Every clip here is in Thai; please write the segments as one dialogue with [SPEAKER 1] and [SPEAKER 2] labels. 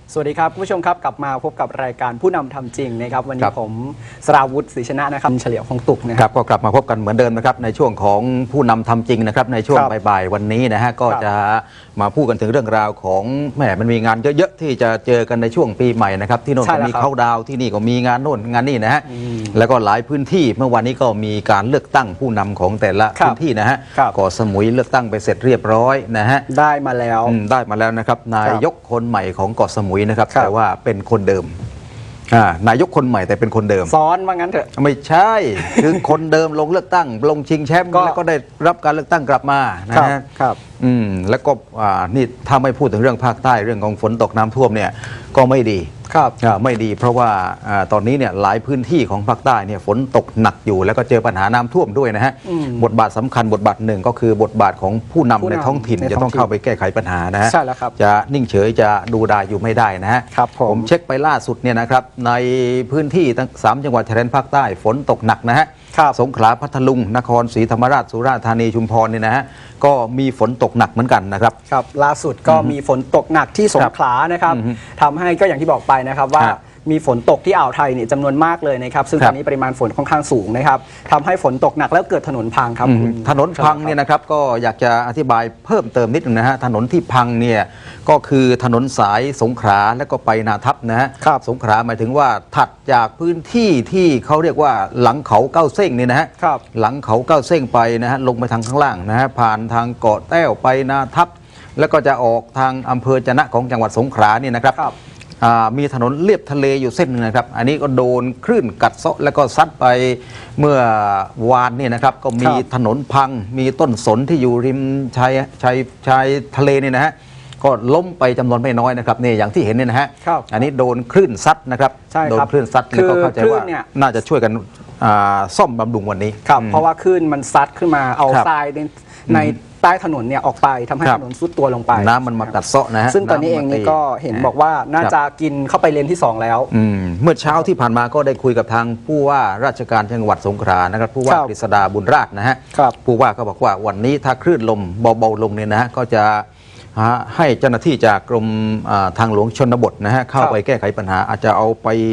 [SPEAKER 1] สวัสดีครับคุณผู้ชมครับกลับมาพบกับรายการผู้นำทำจริงนะครับวันนี้ผมสราวุฒิศรีชนะนะครับเฉลียวคงตุกนะครับ
[SPEAKER 2] ก็กลับมาพบกันเหมือนเดิมนะครับในช่วงของผู้นำทำจริงนะครับในช่วงบ่ายๆวันนี้นะฮะก็จะมาพูดกันถึงเรื่องราวของแหมมันมีงานเยอะๆที่จะเจอกันในช่วงปีใหม่นะครับที่โน่นก็มีเข้าดาวที่นี่ก็มีงานโน่นงานนี่นะฮะแล้วก็หลายพื้นที่เมื่อวันนี้ก็มีการเลือกตั้งผู้นำของแต่ละพื้นที่นะฮะเกาะสมุยเลือกตั้งไปเสร็จเรียบร้อยนะฮะได้มาแล้วนะครับนายกคนใหม่ของเกาะสมุยนะครับแต่ว่าเป็นคนเดิมนายกคนใหม่แต่เป็นคนเดิม
[SPEAKER 1] ซ้อนว่างั้นเถอะ
[SPEAKER 2] ไม่ใช่คือคนเดิมลงเลือกตั้งลงชิงแชมป์แล้วก็ได้รับการเลือกตั้งกลับมา
[SPEAKER 1] นะครับ
[SPEAKER 2] แล้วก็นี่ถ้าไม่พูดถึงเรื่องภาคใต้เรื่องของฝนตกน้ำท่วมเนี่ยก็ไม่ดีไม่ดีเพราะว่าตอนนี้เนี่ยหลายพื้นที่ของภาคใต้เนี่ยฝนตกหนักอยู่แล้วก็เจอปัญหาน้ำท่วมด้วยนะฮะบทบาทสำคัญบทบาทหนึ่งก็คือบทบาทของผู้นำในท้องถิ่นจะต้องเข้าไปแก้ไขปัญหานะฮะจะนิ่งเฉยจะดูดายอยู่ไม่ได้นะฮะผมเช็คไปล่าสุดเนี่ยนะครับในพื้นที่ทั้ง3จังหวัดชายแดนภาคใต้ฝนตกหนักนะฮะสงขลาพัทลุงนครศรีธรรมราชสุราษฎร์ธานีชุมพรเนี่ยนะฮะก็มีฝนตกหนักเหมือนกันนะครับ
[SPEAKER 1] ล่าสุดก็มีฝนตกหนักที่สงขลานะครับทำให้ก็อย่างที่บอกไปนะครับว่ามีฝนตกที่อ่าวไทยเนี่ยจำนวนมากเลยนะครับซึ่งตอนนี้ปริมาณฝนค่อนข้างสูงนะครับทำให้ฝนตกหนักแล้วเกิดถนนพังครับ
[SPEAKER 2] ถนนพังเนี่ยนะครับก็อยากจะอธิบายเพิ่มเติมนิดนึงนะฮะถนนที่พังเนี่ยก็คือถนนสายสงขลาแล้วก็ไปนาทับนะฮะสงขลาหมายถึงว่าถัดจากพื้นที่ที่เขาเรียกว่าหลังเขาเก้าเส้งเนี่ยนะฮะหลังเขาเก้าเส้งไปนะฮะลงไปทางข้างล่างนะฮะผ่านทางเกาะแต้วไปนาทับแล้วก็จะออกทางอำเภอจะนะของจังหวัดสงขลาเนี่ยนะครับมีถนนเลียบทะเลอยู่เส้นนึงนะครับอันนี้ก็โดนคลื่นกัดเซาะแล้วก็ซัดไปเมื่อวานนี่นะครับก็มีถนนพังมีต้นสนที่อยู่ริมชายทะเลนี่นะฮะก็ล้มไปจำนวนไม่น้อยนะครับนี่อย่างที่เห็นเนี่ยนะฮะอันนี้โดนคลื่นซัดนะครับโดนคลื่นซัดแล้วก็เข้าใจว่าน่าจะช่วยกันซ่อมบำรุงวันนี้
[SPEAKER 1] เพราะว่าคลื่นมันซัดขึ้นมาเอาทรายในใต้ถนนเนี่ยออกไปทำให้ถนนซุดตัวลงไป
[SPEAKER 2] น้ำมันมากัดเซาะนะฮะ
[SPEAKER 1] ซึ่งตอนนี้เองนี่ก็เห็นบอกว่าน่าจะกินเข้าไปเลนที่2แล้ว
[SPEAKER 2] เมื่อเช้าที่ผ่านมาก็ได้คุยกับทางผู้ว่าราชการจังหวัดสงขลานะครับผู้ว่ากฤษดาบุญราชนะฮะผู้ว่าก็บอกว่าวันนี้ถ้าคลื่นลมเบาๆลงเนี่ยนะฮะก็จะให้เจ้าหน้าที่จากกรมทางหลวงชนบทนะฮะเข้าไปแก้ไขปัญหาอาจจะเอา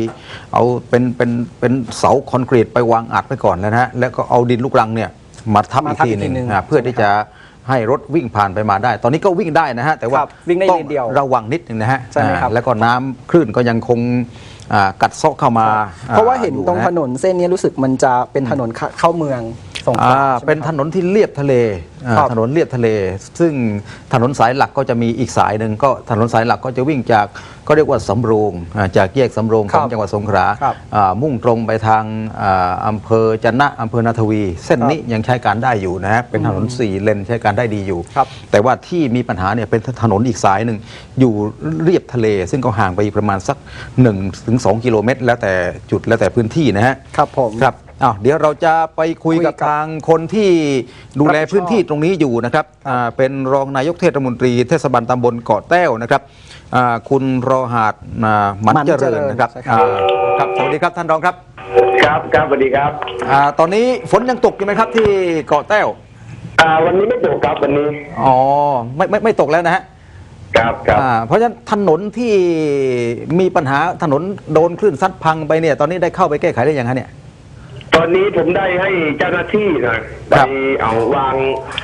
[SPEAKER 2] เป็นเสาคอนกรีตไปวางอัดไปก่อนแล้วนะฮะแล้วก็เอาดินลูกรังเนี่ยมาทับอีกทีหนึ่งเพื่อที่จะให้รถวิ่งผ่านไปมาได้ตอนนี้ก็วิ่งได้นะฮะแต่ว่าต้องระวังนิดนึงนะฮะแล้วก็น้ำคลื่นก็ยังคงกัดเซาะเข้ามา
[SPEAKER 1] เพราะว่าเห็นตรงถนนเส้นนี้รู้สึกมันจะเป็นถนนเข้าเมือง
[SPEAKER 2] เป็นถนนที่เลียบทะเลถนนเลียบทะเลซึ่งถนนสายหลักก็จะมีอีกสายหนึ่งก็ถนนสายหลักก็จะวิ่งจากก็เรียกว่าสำโรงจากแยกสำโรงของจังหวัดสงขลามุ่งตรงไปทางอำเภอจะนะอำเภอนาทวีเส้นนี้ยังใช้การได้อยู่นะฮะเป็นถนน4เลนใช้การได้ดีอยู่แต่ว่าที่มีปัญหาเนี่ยเป็นถนนอีกสายหนึ่งอยู่เรียบทะเลซึ่งก็ห่างไปประมาณสัก 1-2 กิโลเมตรแล้วแต่จุดแล้วแต่พื้นที่นะฮะ
[SPEAKER 1] ครับผม
[SPEAKER 2] เดี๋ยวเราจะไปคุยกับทางคนที่ดูแลพื้นที่ตรงนี้อยู่นะครับเป็นรองนายกเทศมนตรีเทศบาลตำบลเกาะแต้วนะครับคุณรอหาดหมันเจริญนะครับครับสวัสดีครับท่านรองครับ
[SPEAKER 3] ครับสวัสดีครับ
[SPEAKER 2] ตอนนี้ฝนยังตกอยู่ไหมครับที่เกาะแต้ว
[SPEAKER 3] วันนี้ไม่ตกครับวันนี้
[SPEAKER 2] ไม่ตกแล้วนะฮะ
[SPEAKER 3] ครับ
[SPEAKER 2] เพราะฉะนั้นถนนที่มีปัญหาถนนโดนคลื่นซัดพังไปเนี่ยตอนนี้ได้เข้าไปแก้ไขได้ยังไงเนี่ย
[SPEAKER 3] ตอนนี้ผมได้ให้เจ้าหน้าที่นะไปเอาวาง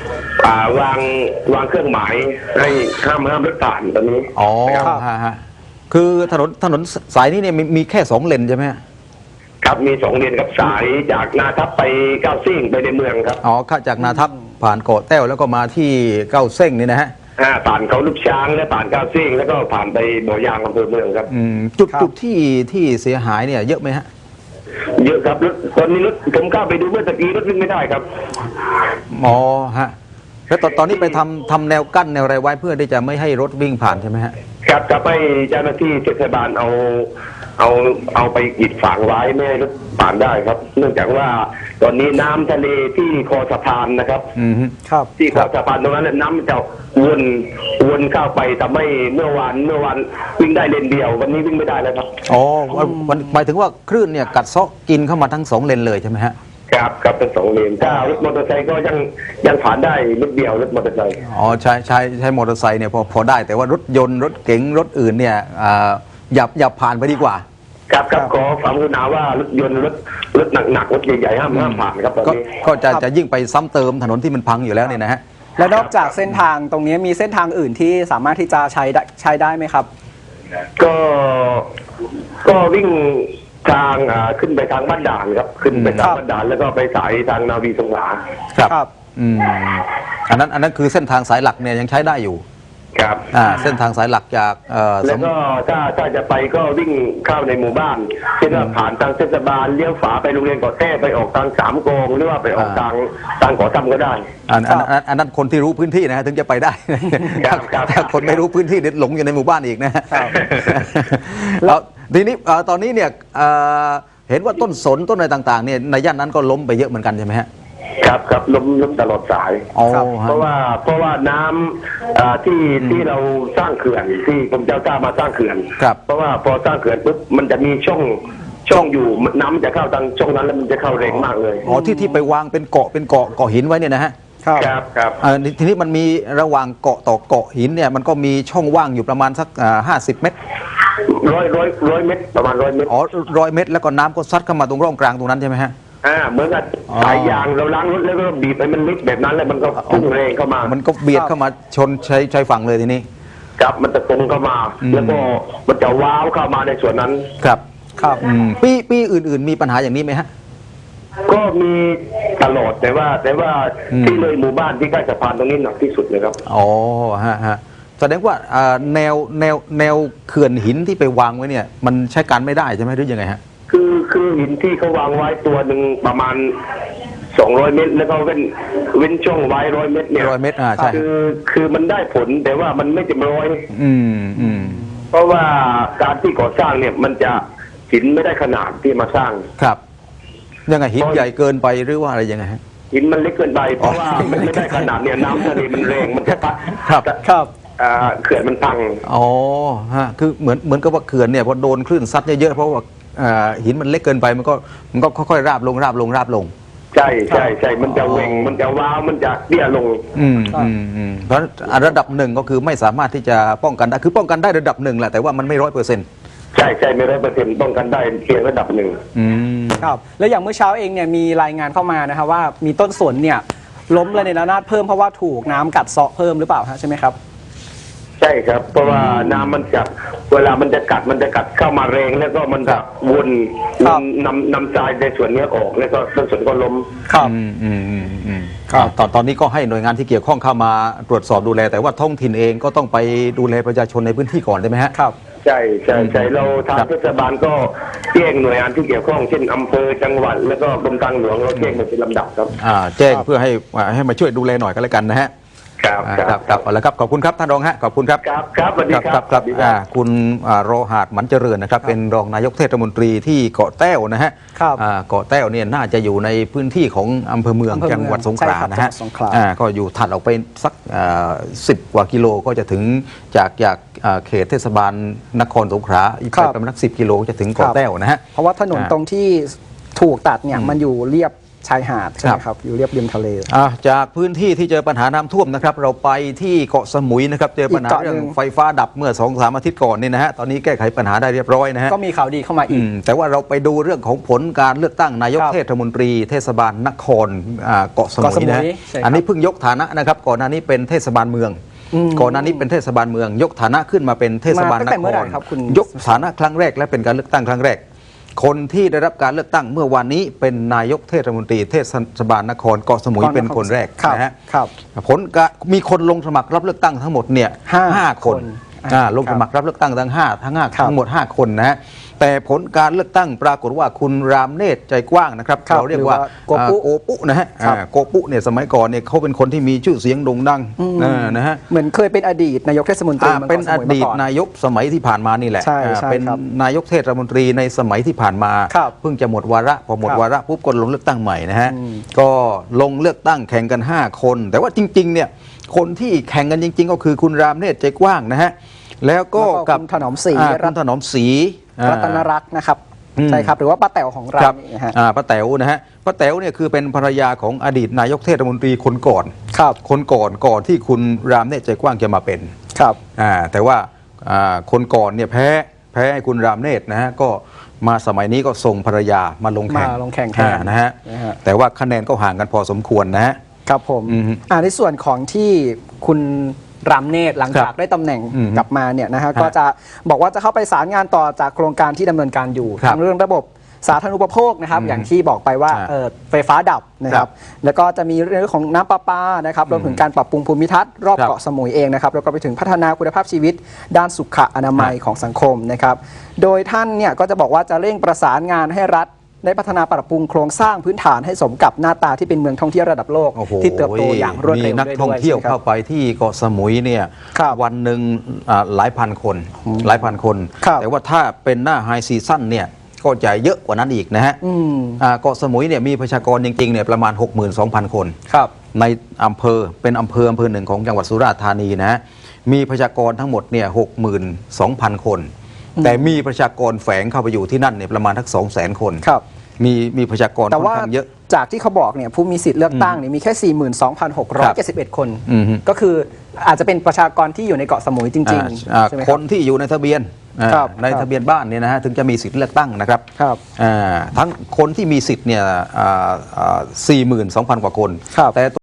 [SPEAKER 3] เครื่องหมายให้ห้ามรถผ่านตอนนี้
[SPEAKER 2] คือถนนสายนี้เนี่ยมีแค่2เลนใช่ไหม
[SPEAKER 3] ครับมี2เลนกับสายจากนาทับไปเก้าเส้งไปในเมืองครับ
[SPEAKER 2] ข้าจากนาทับผ่านเกาะแต้วแล้วก็มาที่เก้าเส้งนี่นะฮะ
[SPEAKER 3] ผ่านเขาลูกช้างและผ่านเก้าเส้งแล้วก็ผ่านไปบ่อยางอำเภอเมืองครับ
[SPEAKER 2] จุดที่เสียหายเนี่ยเยอะไหมฮะ
[SPEAKER 3] เยอะครับรถตอนนี้รถผมก้าวไปดูเมื่อตะกี้รถวิ่งไม่ได้ครับ
[SPEAKER 2] ฮะแล้วตอนนี้ไปทำแนวกั้นแนวอะไรไว้เพื่อที่จะไม่ให้รถวิ่งผ่านใช่ไหมฮะ
[SPEAKER 3] ครับจะไปเจ้าหน้าที่เทศบาลเอาไปกีดฝังไว้ไม่ให้รถผ่านได้ครับเนื่องจากว่าตอนนี้น้ำทะเลที่คอสะพานนะครับที่คอสะพานตรงนั้นน้ำจะวนเข้าไปทำให้เมื่อวานวิ่งได้เลนเดียววันนี้วิ่งไม่ได้แล้วครับ
[SPEAKER 2] หมายถึงว่าคลื่นเนี่ยกัดเซาะกินเข้ามาทั้ง2เลนเลยใช่ไหมฮะ
[SPEAKER 3] ครับเป็น2 เลนถ้ารถมอเตอร์ไซค์ก็ยังผ่านได้นิดเดียวรถมอเตอร์ไซค์
[SPEAKER 2] อ๋อใช้มอเตอร์ไซค์เนี่ยพอได้แต่ว่ารถยนต์รถเก๋งรถอื่นเนี่ยอย่าผ่านไปดีกว่า
[SPEAKER 3] ครับขอความกรุณาว่ารถยนต์รถหนักรถใหญ่ๆห้ามผ่านครับตอนนี้
[SPEAKER 2] ก็จะยิ่งไปซ้ำเติมถนนที่มันพังอยู่แล้วเนี่ยนะฮะ
[SPEAKER 1] และนอกจากเส้นทางตรงนี้มีเส้นทางอื่นที่สามารถที่จะใช้ได้ไหมครับ
[SPEAKER 3] ก็วิ่งทางขึ้นไปทางบ้านด่านครับขึ้นไปทางบ้านด่านแล้วก็ไปสายทางนาวีสงขลา
[SPEAKER 2] ครับอันนั้นคือเส้นทางสายหลักเนี่ยยังใช้ได้อยู่
[SPEAKER 3] ครับ
[SPEAKER 2] เส้นทางสายหลักจาก
[SPEAKER 3] แล้วก็ถ้าจะไปก็วิ่งเข้าในหมู่บ้านเช่นว่าผ่านทางเทศบาลเลี้ยวฝาไปโรงเรียนเกาะแต้ไปออกทาง3 โกงหรือว่าไปออกทางเกาะซ้ำก็ได้
[SPEAKER 2] อันนั้นคนที่รู้พื้นที่นะฮะถึงจะไปได้ถ้าคนไม่รู้พื้นที่เด็ดหลงอยู่ในหมู่บ้านอีกนะแล้วทีนี้ตอนนี้เนี่ยเห็นว่าต้นสนต้นอะไรต่างๆเนี่ยในย่านนั้นก็ล้มไปเยอะเหมือนกันใช่ไหมฮะ
[SPEAKER 3] ครับล้มตลอดสายเพราะว่าน้ำที่เราสร้างเขื่อนที่กรมเจ้าท่ามาสร้างเขื่อนเพราะว่าพอสร้างเขื่อนปุ๊บมันจะมีช่องอยู่น้ำมันจะเข้าทางช่องนั้นแล้วมันจะเข้าแรงมากเลย
[SPEAKER 2] ที่ไปวางเป็นเกาะหินไว้เนี่ยนะฮะ
[SPEAKER 3] ครับ
[SPEAKER 2] ทีนี้มันมีระหว่างเกาะต่อเกาะหินเนี่ยมันก็มีช่องว่างอยู่ประมาณสัก50 เมตร
[SPEAKER 3] ร้อยเมตรประมาณ100 เมตร
[SPEAKER 2] 100 เมตรแล้วก็น้ำก็ซัดเข้ามาตรงร่องกลางตรงนั้นใช่ไหมฮะ
[SPEAKER 3] เหมือนกับสายยางเราล้างรถแล้วก็บีบไปมันลิกแบบนั้นแล้วมันก็พุ่งแรงเข้ามา
[SPEAKER 2] มันก็เบียดเข้ามาชนชายฝั่งเลยทีนี้
[SPEAKER 3] ครับมันจะตรงเข้ามาแล้วก็มันจะว้าวเข้ามาในส่วนนั้น
[SPEAKER 2] ครับปีอื่นๆมีปัญหาอย่างนี้ไหมฮะ
[SPEAKER 3] ก็มีตลอดแต่ว่าที่เลยหมู่บ้านที่ใกล้สะพานตรงนี้หนักที่สุดเลยครับ
[SPEAKER 2] ฮะแสดงว่าแนวเขื่อนหินที่ไปวางไว้เนี่ยมันใช้การไม่ได้ใช่ไหมหรือยังไงฮะ
[SPEAKER 3] คือหินที่เขาวางไว้ตัวหนึ่งประมาณ200 เมตรแล้วก็เว้นช่องไว้100 เมตรเนี่ย
[SPEAKER 2] 100 เมตรใช่
[SPEAKER 3] คือมันได้ผลแต่ว่ามันไม่เต็มร้อยเพราะว่าการที่ก่อสร้างเนี่ยมันจะหินไม่ได้ขนาดที่มาสร้าง
[SPEAKER 2] ครับยังไงหินใหญ่เกินไปหรือว่าอะไรยังไงฮะ
[SPEAKER 3] หินมันเล็กเกินไปเพราะว่ามันไม่ได้ขนาดเนี่ยน้ำทะเลมันแรงมันจะพัด
[SPEAKER 2] ครับ
[SPEAKER 3] เขื่อนมันพัง
[SPEAKER 2] คือเหมือนกับว่าเขื่อนเนี่ยพอโดนคลื่นซัดเยอะๆเพราะว่าหินมันเล็กเกินไปมันก็ค่อยๆราบลง
[SPEAKER 3] ใช่มันจะเวงมันจะว้าวมันจะเตี้ยลง
[SPEAKER 2] เพราะระดับ1ก็คือไม่สามารถที่จะป้องกันได้คือป้องกันได้ระดับ1แหละแต่ว่ามันไม่100%
[SPEAKER 3] ใช่ไม่100%ป้องกันได้เพียงระดับ1
[SPEAKER 1] ครับแล้วอย่างเมื่อเช้าเองเนี่ยมีรายงานเข้ามานะครับว่ามีต้นสนเนี่ยล้มระเนระนาดเพิ่มเพราะว่าถูกน้ำกัดเซาะเพิ่มหรือเปล่าฮะใช่ไหมครับ
[SPEAKER 3] ใช่ครับเพราะว่าน้ำมันจะเวลามันจะกัดเข้ามาแรงแล้วก็มันจะวนนำทรายในส่วนนี้ออกแล้วก็ต้นสนก็ล้ม
[SPEAKER 2] ตอนนี้ก็ให้หน่วยงานที่เกี่ยวข้องเข้ามาตรวจสอบดูแลแต่ว่าท้องถิ่นเองก็ต้องไปดูแลประชาชนในพื้นที่ก่อนได้ไหมฮะ
[SPEAKER 1] ครับ
[SPEAKER 3] ใช่เราทางเทศบาลก็แจ้งหน่วยงานที่เกี่ยวข้องเช่นอำเภอจังหวัดแล้วก็กรมทางหลวงเราแจ้งเป็นลำดับครับ
[SPEAKER 2] แจ้งเพื่อให้มาช่วยดูแลหน่อยก็แล้วกันนะฮะครับเอาละครับขอบคุณครับท่านรองฮะขอบคุณครับ
[SPEAKER 3] ครับสวัสดีครับ
[SPEAKER 2] คุณโรหาดหมันเจริญนะครับเป็นรองนายกเทศมนตรีที่เกาะแต้วนะฮะเกาะแต้วเนี่ยน่าจะอยู่ในพื้นที่ของอำเภอเมืองจังหวัดสงขลานะฮะก็อยู่ถัดออกไปสัก10 กว่ากิโลก็จะถึงจากเขตเทศบาลนครสงขลาอีกประมาณ10 กิโลจะถึงเกาะแต้วนะฮะ
[SPEAKER 1] เพราะว่าถนนตรงที่ถูกตัดเนี่ยมันอยู่เรียบชายหาดใช่ไหมครับอยู่เรียบริมทะเล
[SPEAKER 2] จากพื้นที่ที่เจอปัญหาน้ำท่วมนะครับเราไปที่เกาะสมุยนะครับเจอปัญหาเรื่องไฟฟ้าดับเมื่อ 2-3 อาทิตย์ก่อนนี่นะฮะตอนนี้แก้ไขปัญหาได้เรียบร้อยนะฮะ
[SPEAKER 1] ก็มีข่าวดีเข้ามาอีก
[SPEAKER 2] แต่ว่าเราไปดูเรื่องของผลการเลือกตั้งนายกเทศมนตรีเทศบาลนครเกาะสมุยนะอันนี้เพิ่งยกฐานะนะครับก่อนหน้านี้เป็นเทศบาลเมืองก่อนหน้านี้เป็นเทศบาลเมืองยกฐานะขึ้นมาเป็นเทศบาลนครยกฐานะครั้งแรกและเป็นการเลือกตั้งครั้งแรกคนที่ได้รับการเลือกตั้งเมื่อวานนี้เป็นนายกเทศมนตรีเทศบาลนครเกาะสมุยเป็นคนแรกนะฮะผลมีคนลงสมัครรับเลือกตั้งทั้งหมดเนี่ย5 คนลงสมัครรับเลือกตั้งทั้งหมด5 คนนะฮะแต่ผลการเลือกตั้งปรากฏว่าคุณรามเนตรใจกว้างนะครับเราเรียกว่าโกปุนะฮะโกปุเนี่ยสมัยก่อนเนี่ยเขาเป็นคนที่มีชื่อเสียงโด่งดังนะฮะ
[SPEAKER 1] เหมือนเคยเป็นอดีตนายกเทศมนตรี
[SPEAKER 2] เป็นอดีตนายกสมัยที่ผ่านมานี่แหละเป็นนายกเทศมนตรีในสมัยที่ผ่านมาเพิ่งจะหมดวาระพอหมดวาระปุ๊บก็ลงเลือกตั้งใหม่นะฮะก็ลงเลือกตั้งแข่งกัน5 คนแต่ว่าจริงๆเนี่ยคนที่แข่งกันจริงๆก็คือคุณรามเนตรใจกว้างนะฮะแล้วก็กับ
[SPEAKER 1] ถนอมศรี
[SPEAKER 2] ถนอมศรี
[SPEAKER 1] รัตนรักษ์นะครับใช่ครับหรือว่าป้าแต๋วของเรา
[SPEAKER 2] ป้าแต๋วนะฮะป้าแต๋วเนี่ยคือเป็นภรรยาของอดีตนายกเทศมนตรีคนก่อน
[SPEAKER 1] ครับ
[SPEAKER 2] คนก่อนที่คุณรามเนตรใจกว้างจะมาเป็น
[SPEAKER 1] ครับ
[SPEAKER 2] แต่ว่าคนก่อนเนี่ยแพ้ให้คุณรามเนตรนะฮะก็มาสมัยนี้ก็ส่งภรรยามาลงแข่ง
[SPEAKER 1] มาลงแข่งแทน
[SPEAKER 2] นะฮะ
[SPEAKER 1] นะฮะ
[SPEAKER 2] แต่ว่าคะแนนก็ห่างกันพอสมควรนะฮะ
[SPEAKER 1] ครับผม
[SPEAKER 2] อืม
[SPEAKER 1] ในส่วนของที่คุณรามเนตรหลังจากได้ตำแหน่ง
[SPEAKER 2] อืม
[SPEAKER 1] กลับมาเนี่ยนะฮะ
[SPEAKER 2] ฮะ
[SPEAKER 1] ก็จะบอกว่าจะเข้าไปสารงานต่อจากโครงการที่ดำเนินการอยู่
[SPEAKER 2] ครับ
[SPEAKER 1] ทั้งเรื่องระบบสาธารณูปโภคนะครับ
[SPEAKER 2] อืม
[SPEAKER 1] อย่างที่บอกไปว่า
[SPEAKER 2] ฮะ
[SPEAKER 1] ไฟฟ้าดับนะค
[SPEAKER 2] ครั
[SPEAKER 1] รั
[SPEAKER 2] บบ
[SPEAKER 1] แล้วก็จะมีเรื่องของน้ำประปานะครับรวมถึงการปรับปรุงภูมิทัศน์รอบ
[SPEAKER 2] ครับ
[SPEAKER 1] เกาะสมุยเองนะครับแล้วก็ไปถึงพัฒนาคุณภาพชีวิต ด้านสุขอนามัย
[SPEAKER 2] ฮะ
[SPEAKER 1] ของสังคมนะครับโดยท่านเนี่ยก็จะบอกว่าจะเร่งประสานงานให้รัฐได้พัฒนาปรับปรุงโครงสร้างพื้นฐานให้สมกับหน้าตาที่เป็นเมืองท่องเที่ยวระดับโลก
[SPEAKER 2] โอ้โห
[SPEAKER 1] ที่เติบโตอย่างรวดเร็ว
[SPEAKER 2] มีนัก
[SPEAKER 1] ด้วย
[SPEAKER 2] ท่องเที่ยว
[SPEAKER 1] ใช่ไหมครับ
[SPEAKER 2] เข้าไปที่เกาะสมุยเนี่ย
[SPEAKER 1] ครับ
[SPEAKER 2] วันหนึ่งหลายพันคน
[SPEAKER 1] ครับ
[SPEAKER 2] แต่ว่าถ้าเป็นหน้าไฮซีซั่นเนี่ยก็จะเยอะกว่านั้นอีกนะฮะ
[SPEAKER 1] อืม
[SPEAKER 2] เกาะสมุยเนี่ยมีประชากรจริงๆเนี่ยประมาณ 62,000 คน
[SPEAKER 1] ครับ
[SPEAKER 2] ในอำเภอเป็นอำเภอหนึ่งของจังหวัดสุราษฎร์ธานีนะฮะมีประชากรทั้งหมดเนี่ย62,000 คน แต่มีประชากรแฝงเข้าไปอยู่ที่นั่นเนี่ยประมาณทัก200,000 คน
[SPEAKER 1] ครับ
[SPEAKER 2] มีประชากร
[SPEAKER 1] แต่
[SPEAKER 2] ค่อน
[SPEAKER 1] ว่า
[SPEAKER 2] ข้างเยอะ
[SPEAKER 1] จากที่เขาบอกเนี่ยผู้มีสิทธิ์เลือกตั้งเนี่ยมีแค่ 42,671 คน
[SPEAKER 2] อืมฮึ
[SPEAKER 1] ก็คืออาจจะเป็นประชากรที่อยู่ในเกาะสมุยจริงๆใช่ไหม
[SPEAKER 2] ค
[SPEAKER 1] ครั
[SPEAKER 2] น
[SPEAKER 1] บ
[SPEAKER 2] ที่อยู่ในทะเบียน
[SPEAKER 1] ครับ
[SPEAKER 2] ในทะเบียนบ้านเนี่ยนะฮะถึงจะมีสิทธิ์เลือกตั้งนะครับ
[SPEAKER 1] ครับ
[SPEAKER 2] ทั้งคนที่มีสิทธิ์เนี่ย42,000 กว่าคน
[SPEAKER 1] ครับ
[SPEAKER 2] แต่